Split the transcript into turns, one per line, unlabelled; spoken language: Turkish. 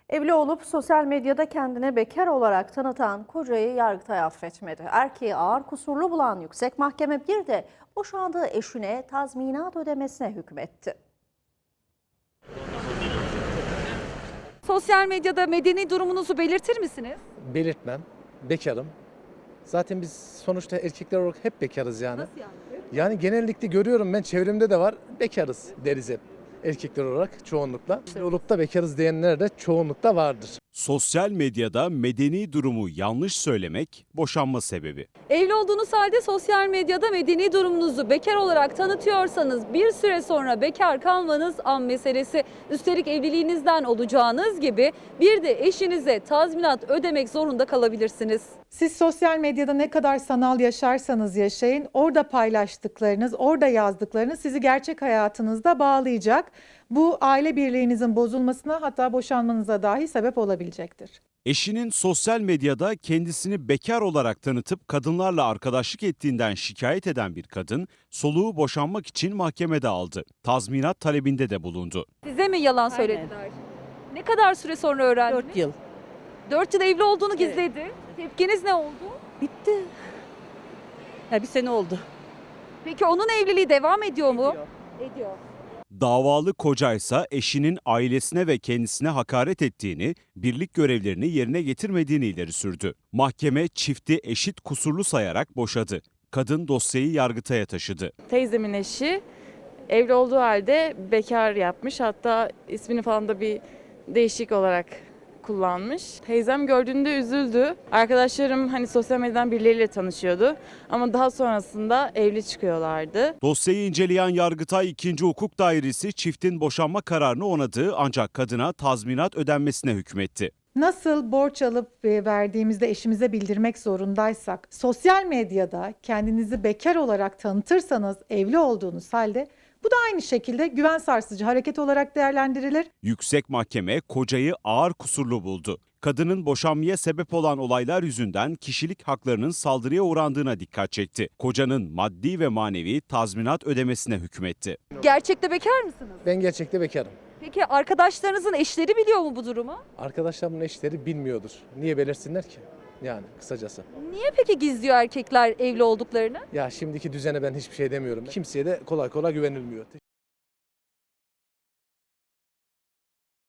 Evli olup sosyal medyada kendini bekar olarak tanıtan kocayı Yargıtay affetmedi. Erkeği ağır kusurlu bulan yüksek mahkeme bir de boşandığı eşine tazminat ödemesine hükmetti.
Sosyal medyada medeni durumunuzu belirtir misiniz?
Belirtmem. Bekarım. Zaten biz sonuçta erkekler olarak hep bekarız yani.
Nasıl yani?
Yani genellikle görüyorum, ben çevremde de var, bekarız deriz hep. Erkekler olarak çoğunlukla. Olup da bekarız diyenler de çoğunlukla vardır.
Sosyal medyada medeni durumu yanlış söylemek boşanma sebebi.
Evli olduğunuz halde sosyal medyada medeni durumunuzu bekar olarak tanıtıyorsanız bir süre sonra bekar kalmanız an meselesi. Üstelik evliliğinizden olacağınız gibi bir de eşinize tazminat ödemek zorunda kalabilirsiniz.
Siz sosyal medyada ne kadar sanal yaşarsanız yaşayın, orada paylaştıklarınız, orada yazdıklarınız sizi gerçek hayatınızda bağlayacak. Bu aile birliğinizin bozulmasına, hatta boşanmanıza dahi sebep olabilecektir.
Eşinin sosyal medyada kendisini bekar olarak tanıtıp kadınlarla arkadaşlık ettiğinden şikayet eden bir kadın, soluğu boşanmak için mahkemede aldı. Tazminat talebinde de bulundu.
Size mi yalan söylediler? Ne kadar süre sonra öğrendiniz?
4 yıl.
4 yıl evli olduğunu gizledi. Tepkiniz ne oldu?
Bitti. Ya bir sene oldu.
Peki onun evliliği devam ediyor mu? Ediyor.
Davalı kocaysa eşinin ailesine ve kendisine hakaret ettiğini, birlik görevlerini yerine getirmediğini ileri sürdü. Mahkeme çifti eşit kusurlu sayarak boşadı. Kadın dosyayı Yargıtay'a taşıdı.
Teyzemin eşi evli olduğu halde bekar yapmış. Hatta ismini falan da bir değişik olarak kullanmış. Teyzem gördüğünde üzüldü. Arkadaşlarım hani sosyal medyadan birileriyle tanışıyordu. Ama daha sonrasında evli çıkıyorlardı.
Dosyayı inceleyen Yargıtay 2. Hukuk Dairesi çiftin boşanma kararını onadı ancak kadına tazminat ödenmesine hükmetti.
Nasıl borç alıp verdiğimizde eşimize bildirmek zorundaysak, sosyal medyada kendinizi bekar olarak tanıtırsanız evli olduğunuz halde bu da aynı şekilde güven sarsıcı hareket olarak değerlendirilir.
Yüksek Mahkeme kocayı ağır kusurlu buldu. Kadının boşanmaya sebep olan olaylar yüzünden kişilik haklarının saldırıya uğrandığına dikkat çekti. Kocanın maddi ve manevi tazminat ödemesine hükmetti.
Gerçekte bekar mısınız?
Ben gerçekte bekarım.
Peki arkadaşlarınızın eşleri biliyor mu bu durumu?
Arkadaşlarımın eşleri bilmiyordur. Niye belirsinler ki? Yani kısacası.
Niye peki gizliyor erkekler evli olduklarını?
Ya şimdiki düzene ben hiçbir şey demiyorum. Kimseye de kolay kolay güvenilmiyor.